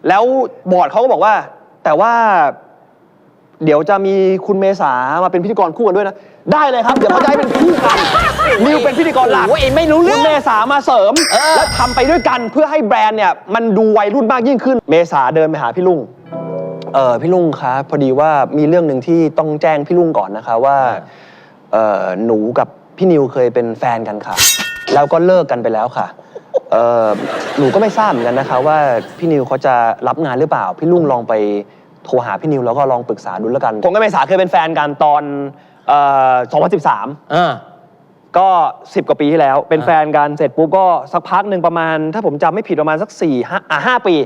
แล้วบอร์ดเขาก็บอกว่าแต่ว่าเดี๋ยวจะมีคุณเมษามาเป็นพิธีกรคู่กันด้วยนะได้เลยครับเดี๋ยวเขาจะให้เป็นคู่กันนิวเป็นพิธีกรหลักไม่รู้เรื่องคุณเมษามาเสริมแล้วทำไปด้วยกันเพื่อให้แบรนด์เนี่ยมันดูวัยรุ่นมากยิ่งขึ้นเมษาเดินไปหาพี่ลุงพี่ลุงครับพอดีว่ามีเรื่องหนึ่งที่ต้องแจ้งพี่ลุงก่อนนะคะว่าหนูกับพี่นิวเคยเป็นแฟนกันค่ะแล้วก็เลิกกันไปแล้วค่ะหนูก็ไม่ทราบเหมือนกันนะคะว่าพี่นิวเขาจะรับงานหรือเปล่าพี่ลุงลองไปโทรหาพี่นิวแล้วก็ลองปรึกษาดูแล้วกันผมกับเมษาเคยเป็นแฟนกันตอน2013ก็10 กว่าปีที่แล้วเป็นแฟนกันเสร็จปุ๊บก็สักพักหนึ่งประมาณถ้าผมจำไม่ผิดประมาณสัก5 ปี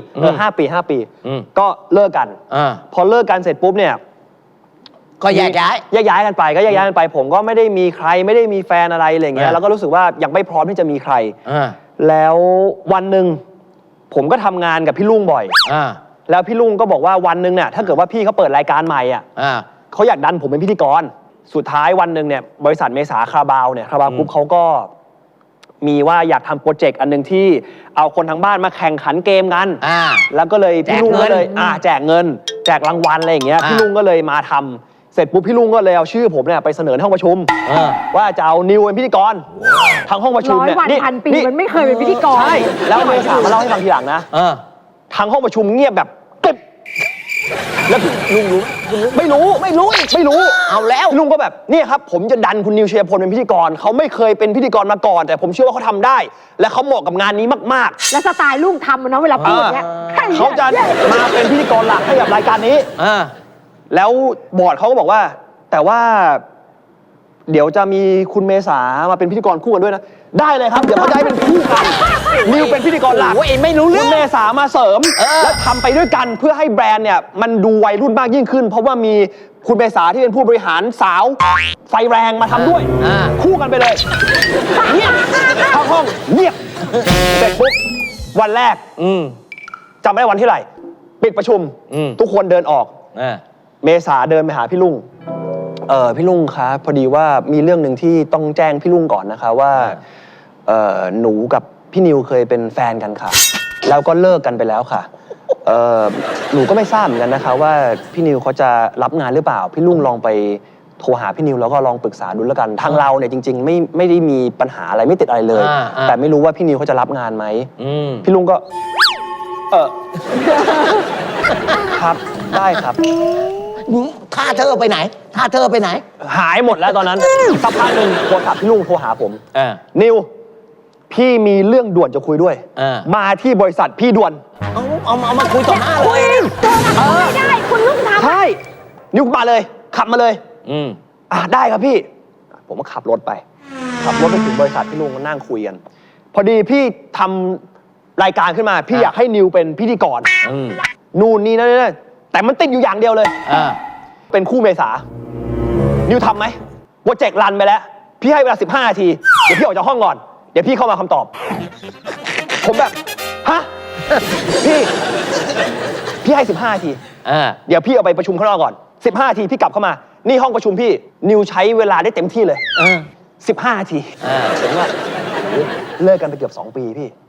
5 ปีก็เลิกกันพอเลิกกันเสร็จปุ๊บเนี่ยก็แยกย้ายกันไปผมก็ไม่ได้มีใครไม่ได้มีแฟนอะไรอะไรเงี้ยแล้วก็รู้สึกว่ายังไม่พร้อมที่จะมีใครแล้ววันหนึ่งผมก็ทำงานกับพี่ลุงบ่อยแล้วพี่ลุงก็บอกว่าวันหนึ่งเนี่ยถ้าเกิดว่าพี่เขาเปิดรายการใหม่เขาอยากดันผมเป็นพิธีกรสุดท้ายวันหนึ่งเนี่ยบริษัทเมษาคาราบาวเนี่ยคาราบาวกรุ๊ปเขาก็มีว่าอยากทำโปรเจกต์อันหนึ่งที่เอาคนทั้งบ้านมาแข่งขันเกมกันแล้วก็เลยพี่ลุงก็เลยแจกเงินแจกรางวัลอะไรอย่างเงี้ยพี่ลุงก็เลยมาทำเสร็จปุ๊บพี่ลุงก็เลยเอาชื่อผมเนี่ยไปเสนอห้องประชุมว่าจะเอานิวเป็นพิธีกรทั้งห้องประชุมเนี่ย 100 วันพันปีมันไม่เคยเป็นพิธีกรใช่แล้วเมษามาเล่าให้ฟังทีหลังนะทั้งห้องประชุมเงียบแบบกริบแล้วลุงรู้ไม่รู้เอาแล้วลุงก็แบบนี่ครับผมจะดันคุณนิวเชียร์พลเป็นพิธีกรเขาไม่เคยเป็นพิธีกรมาก่อนแต่ผมเชื่อว่าเขาทำได้และเขาเหมาะกับงานนี้มากๆและสไตล์ลุงทำนะเวลาพูดเนี่ยเขาจะมาเป็นพิธีกรหลักให้กับรายการนี้แล้วบอร์ดเขาก็บอกว่าแต่ว่าเดี๋ยวจะมีคุณเมษามาเป็นพิธีกรคู่กันด้วยนะได้เลยครับเดี๋ยวเขาจะให้เป็นคู่กันนิวเป็นพิธีกรหลักไม่รู้เรื่องคุณเมษามาเสริมแล้วทำไปด้วยกันเพื่อให้แบรนด์เนี่ยมันดูวัยรุ่นมากยิ่งขึ้นเพราะว่ามีคุณเมษาที่เป็นผู้บริหารสาวไฟแรงมาทำด้วยคู่กันไปเลยเงียบเข้าห้องเงียบเสร็จปุ๊บวันแรกจำไม่ได้วันที่ไหนปิดประชุมทุกคนเดินออกเมษาเดินไปหาพี่ลุงพี่ลุงครับพอดีว่ามีเรื่องหนึ่งที่ต้องแจ้งพี่ลุงก่อนนะคะว่าหนูกับพี่นิวเคยเป็นแฟนกันค่ะแล้วก็เลิกกันไปแล้วค่ะหนูก็ไม่ทราบเหมือนกันนะคะว่าพี่นิวเขาจะรับงานหรือเปล่าพี่ลุงลองไปโทรหาพี่นิวแล้วก็ลองปรึกษาดูแล้วกันทางเราเนี่ยจริงๆไม่ได้มีปัญหาอะไรไม่ติดอะไรเลยแต่ไม่รู้ว่าพี่นิวเขาจะรับงานไหมพี่ลุงก็ครับได้ครับท่าเธอไปไหนหายหมดแล้วตอนนั้นสักพักหนึ่งโทรศัพท์พี่ลุงโทรหาผมนิวพี่มีเรื่องด่วนจะคุยด้วยมาที่บริษัทพี่ด่วนเอามาคุยต่อหน้าเลยไม่ได้คุณลุงทำใช่นิวมาเลยขับมาเลยได้ครับพี่ผมก็ขับรถไปถึงบริษัทพี่ลุงก็นั่งคุยกันพอดีพี่ทำรายการขึ้นมาพี่อยากให้นิวเป็นพิธีกรนู่นนี่นั่นแต่มันติดอยู่อย่างเดียวเลยเป็นคู่เมษานิวทำไหมโปรเจกต์รันไปแล้วพี่ให้เวลา15 นาทีเดี๋ยวพี่ออกจากห้องก่อนเดี๋ยวพี่เข้ามาคำตอบผมแบบฮะพี่ให้15 นาทีเดี๋ยวพี่เอาไปประชุมข้างนอกก่อน15 นาทีพี่กลับเข้ามานี่ห้องประชุมพี่นิวใช้เวลาได้เต็มที่เลย15 นาทีผมว่าเลิกกันไปเกือบ2 ปีพี่